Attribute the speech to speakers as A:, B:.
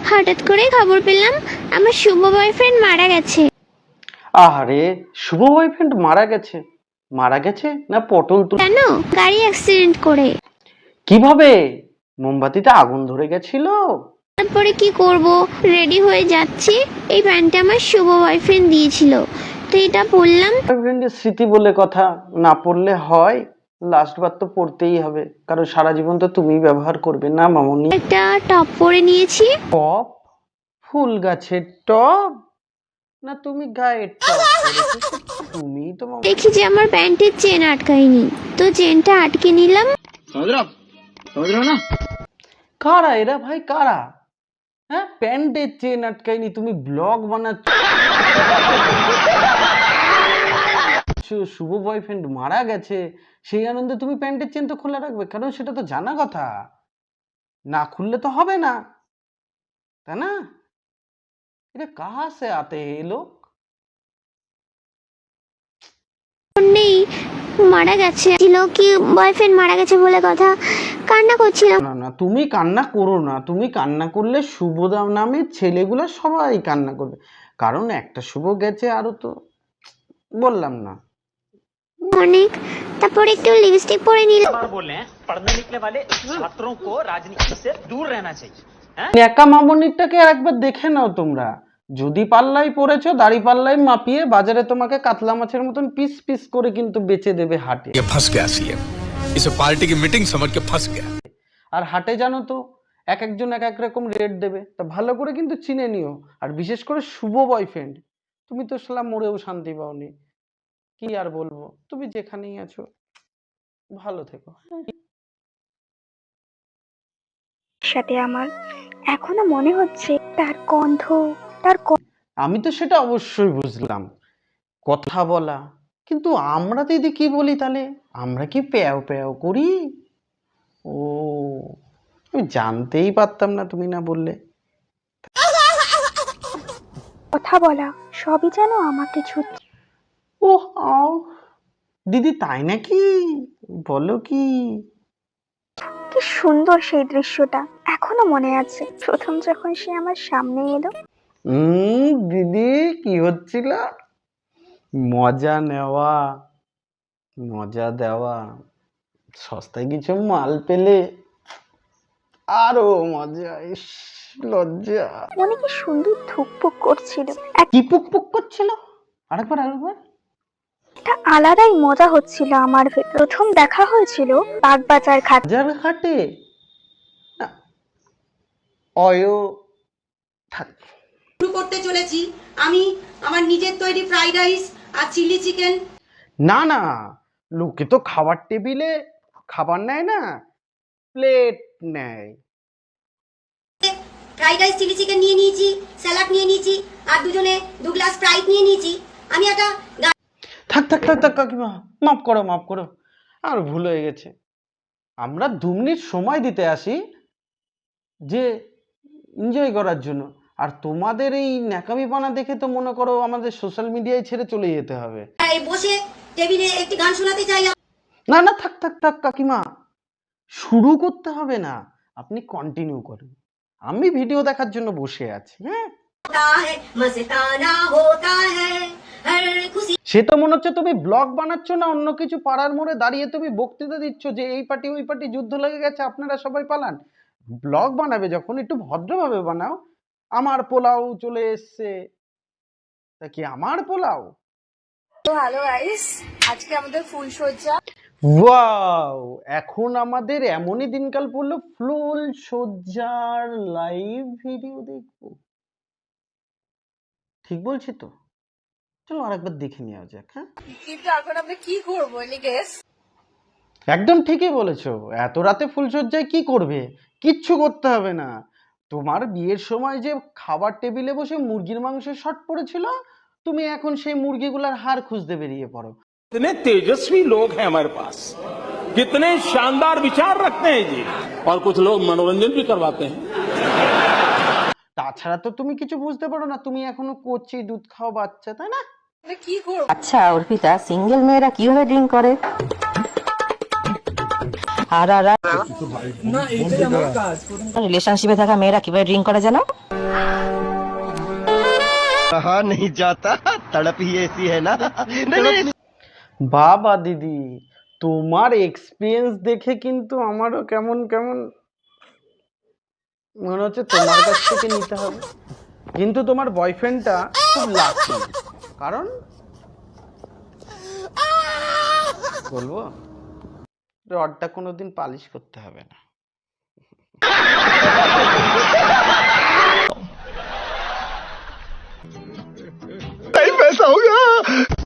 A: হঠাৎ করে খবর পেলাম আমার শুভ বয়ফ্রেন্ড মারা গেছে।
B: আরে শুভ বয়ফ্রেন্ড মারা গেছে? মারা গেছে না পটল তুল?
A: কেন? গাড়ি অ্যাক্সিডেন্ট করে।
B: কিভাবে? মোমবাতিতে আগুন ধরে গেছিল?
A: তারপরে কি করব, রেডি হয়ে যাচ্ছি, এই প্যান্টটা আমার শুভ বয়ফ্রেন্ড দিয়েছিল, তো এটা পরলাম।
B: বয়ফ্রেন্ডের স্মৃতি বলে কথা, না পড়লে হয়? লাস্ট বার তো পড়তেই হবে, কারণ সারা জীবন তো তুমিই ব্যবহার করবে না মামনি।
A: একটা টপ পরে নিয়েছি।
B: টপ? ফুল গাছের টপ? না তুমি গায়ের টপ পরেছো? তুমি তো
A: দেখি যে আমার প্যান্টের চেন আটকায়নি, তো চেনটা আটকে নিলাম।
B: না কারা এরা ভাই, কারা? হ্যাঁ, প্যান্টের চেন আটকায়নি, তুমি ব্লগ বানাচ্ছ? শুভ বয়ফ্রেন্ড মারা গেছে, সেই আনন্দে তুমি প্যান্টের চেন তো খোলা রাখবে, কারণ সেটা তো জানা কথা, না খুললে তো হবে না, তাই না? এটা কাহা সে আতে হে লোক?
A: নেই, মারা গেছে ছিল কি, বয়ফ্রেন্ড মারা গেছে বলে কথা, কান্না করছিলাম।
B: না না, তুমি কান্না করো না, তুমি কান্না করলে শুভ নামের ছেলেগুলো সবাই কান্না করবে, কারণ একটা শুভ গেছে, আরো তো বললাম না
A: অনেক। তারপরে একটু লিপস্টিক পরে নিলাম।
C: पढ़ने निकले वाले छात्रों को राजनीति से दूर रहना चाहिए।
B: একা মামনিরটাকে আর একবার দেখে নাও তোমরা, যদি পাল্লাই পড়েছো, দাড়ি পাল্লাই মাপিয়ে বাজারে তোমাকে কাতলা মাছের মতন পিস পিস করে কিন্তু বেচে দেবে হাটে।
D: ये फंस गया सीएम, इसे पार्टी की मीटिंग समझ के फंस गया।
B: আর হাটে জানো তো এক একজন এক এক রকম রেট দেবে, তা ভালো করে কিন্তু চিনে নিও। আর বিশেষ করে শুভ বয়ফ্রেন্ড, তুমি তো সালা মরেও শান্তি পাওনি, কি আর বলবো, তুমি যেখানেই আছো ভালো থেকো।
E: সাথে আমার এখনো মনে হচ্ছে তার গন্ধ, তার
B: আমি তো সেটা অবশ্যই বুঝলাম, কথা বলা, কিন্তু আমরা দিদি কি বলি তাহলে? আমরা কি প্যাও প্যাও করি? ও, আমি জানতেই পারতাম না তুমি না বললে।
E: কথা বলা সবই যেন আমাকে ছুটছে।
B: ও আও, দিদি তাই নাকি? বলো কি?
E: কি সুন্দর সেই দৃশ্যটা এখনো মনে আছে, প্রথম যখন সে আমার সামনে এলো।
B: দিদি কি হচ্ছিল? মজা নেওয়া, মজা দেওয়া, সস্তায় কিছু মাল পেলে আরো মজা। ইস, লজ্জা।
E: মনে কি সুন্দর ধুকপুক করছিল,
B: কি পুক পুক করছিল? আরেকবার আরেকবার।
E: একটা আলাদাই মজা হচ্ছিল আমার ভেতর। প্রথম দেখা হয়েছিল বাগবাজার ঘাট।
B: বাজার ঘাটে? না, অয়ো থাক।
F: শুরু করতে চলেছি আমি আমার নিজের তৈরি ফ্রাইড রাইস আর চিলি চিকেন।
B: না না, লোকে তো খাবার টেবিলে খাবার নেয় না, প্লেট নেয়।
F: ফ্রাইড রাইস চিলি চিকেন নিয়ে নিয়েছি, স্যালাড নিয়ে নিয়েছি, আর দুজনে 2 গ্লাস স্প্রাইট নিয়ে নিয়েছি। আমি একটা
B: থাক থাক থাক থাক কাকিমা, মাফ করো মাফ করো, আর ভুল হয়ে গেছে। আমরা 2 মিনিট সময় দিতে আসি যে এনজয় করার জন্য, আর তোমাদের এই ন্যাকামিপানা দেখে তো মনে করো আমাদের সোশ্যাল মিডিয়ায় ছেড়ে চলে যেতে হবে।
F: বসে টেবিলে একটি গান শোনাতে চাই।
B: না না, থাক থাক থাক কাকিমা, শুরু করতে হবে না, আপনি কন্টিনিউ করুন, আমি ভিডিও দেখার জন্য বসে আছি। হ্যাঁ, সে তো মনে হচ্ছে তুমি ব্লগ বানাচ্ছ না অন্য কিছু, পাড়ার মোড়ে দাঁড়িয়ে তুমি বক্তৃতা দিচ্ছ যে এই পার্টি ওই পার্টি যুদ্ধ লেগে গেছে, আপনারা সবাই পালান। ব্লগ বানাবে যখন একটু ভদ্রভাবে বানাও। আমার পোলাও চলে এসছে, তা কি আমার পোলাও?
G: তো হ্যালো গাইস, আজকে আমাদের ফুলসজ্জা।
B: ওয়াও, এখন আমাদের এমনই দিনকাল পড়লো, ফুল সজ্জার লাইভ ভিডিও দেখবো। ঠিক বলছি তো? চলো আরেকবার দেখে নেওয়া যাক। হ্যাঁ,
G: কিন্তু এখন আমরা কি করবো এনি গেস?
B: একদম ঠিকই বলেছো, এত রাতে ফুলসজ্জায় কি করবে? কিচ্ছু করতে হবে না। তোমার বিয়ের সময় যে খাবার টেবিলে বসে মুরগির মাংসের শর্ট পড়েছিল, তুমি এখন সেই মুরগিগুলোর হাড় খুঁজতে বেরিয়ে পড়ো।
H: कितने तेजस्वी लोग हैं हमारे पास, कितने शानदार विचार रखते हैं जी, और कुछ लोग मनोरंजन भी करवाते हैं।
B: তাছাড়া তো তুমি কিছু বুঝতে পারো না, তুমি এখনো কচি দুধ খাও বাচ্চা, তাই না?
G: কি করবো?
I: আচ্ছা অর্পিতা, সিঙ্গেল মেয়েরা কিভাবে ড্রিঙ্ক করে? আর রিলেশনশিপে থাকা মেয়েরা কিভাবে ড্রিঙ্ক করে জানো?
B: বাবা দিদি, তোমার এক্সপিরিয়েন্স দেখে কিন্তু আমারও কেমন কেমন মনে হচ্ছে তোমার কাছ থেকে নিতে হবে। কিন্তু তোমার বয়ফ্রেন্ডটা খুব লাকি, কারণ বলবো রডটা কোনোদিন পালিশ করতে হবে না।
J: नहीं पैसा होगा